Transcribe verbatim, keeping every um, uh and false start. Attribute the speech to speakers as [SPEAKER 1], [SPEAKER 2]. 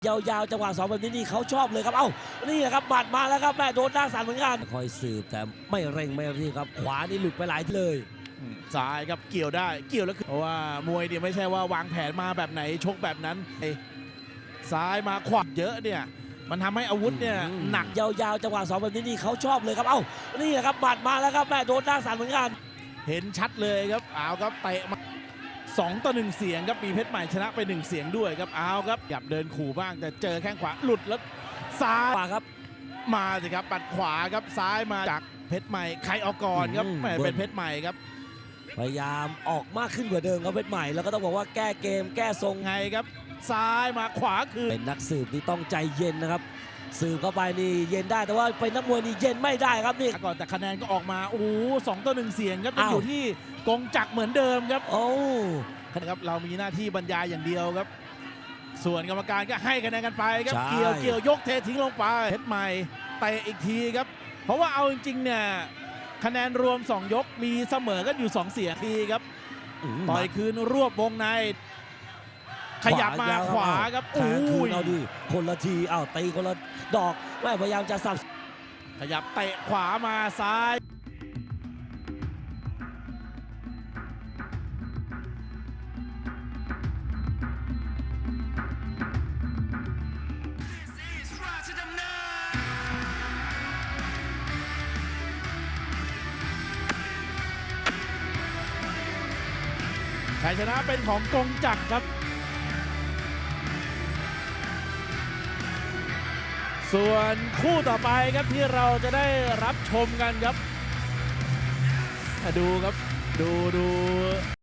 [SPEAKER 1] ยาวๆจังหวะสองแบบนี้นี่เขาชอบเลยครับเอ้านี่แหละครับหมัดมาแล้วครับแม่โดนด้านสั่นเหมือนกันคอยสืบแต่ไม่เร่งไม่รีบครับขวานี่หลุดไปหลายทีเลย
[SPEAKER 2] ซ้ายครับเกี่ยวได้เกี่ยวแล้วเพราะว่ามวยเนี่ยไม่ใช่ว่าวางแผนมาแบบไหนชกแบบนั้นซ้ายมาขวาเยอะเนี่ยมันทำให้อาวุธเนี่ยหนัก
[SPEAKER 1] ยาวๆจังหวะสองแบบนี้นี่เขาชอบเลยครับเอ้านี่แหละครับหมัดมาแล้วครับแม่โดนด้านสั่นเหมือนกัน
[SPEAKER 2] เห็นชัดเลยครับเอาครับเตะมาสองต่อหนึ่งเสียงครับมีเพชรใหม่ชนะไปหนึ่งเสียงด้วยครับเอาครับหยับเดินขู่บ้างแต่เจอแข้งขวาหลุดแล้วซ้าย
[SPEAKER 1] ครับ
[SPEAKER 2] มาสิครับปัดขวาครับซ้ายมาจากเพชรใหม่ใครออกก่อนครับแหมเป็นเพชรใหม่ครับ
[SPEAKER 1] พยายามออกมากขึ้นกว่าเดิมครับเพชรใหม่แล้วก็ต้องบอกว่าแก้เกมแก้ทรง
[SPEAKER 2] ไงครับซ้ายมาขวาคือ
[SPEAKER 1] เป็นนักสืบที่ต้องใจเย็นนะครับสืบเข้าไปนี่เย็นได้แต่ว่าเป็นนักมวยนี่เย็นไม่ได้ครับนี่
[SPEAKER 2] ก่อนแต่คะแนนก็ออกมาโอ้โหสองต่อหนึ่งเสียงครับยังอยู่ที่กงจักรเหมือนเดิมครับ
[SPEAKER 1] โอ้
[SPEAKER 2] ครับเรามีหน้าที่บรรยายอย่างเดียวครับส่วนกรรมการก็ให้คะแนนกันไปครับเกี่ยวเกี่ยวยกเททิ้งลงไปเพชรใหม่เตะอีกทีครับเพราะว่าเอาจริงๆเนี่ยคะแนนรวมสองยกมีเสมอกันอยู่สองเสียงทีครับต่อยคืนรวบวงในขยับมาขวาครับ
[SPEAKER 1] แทงคืนเอาดิคนละทีอ้าวตีคนละดอกแม่พยายามจะสับ
[SPEAKER 2] ขยับเตะขวามาซ้ายชัยชนะเป็นของกงจักรครับส่วนคู่ต่อไปครับที่เราจะได้รับชมกันครับดูครับดูดู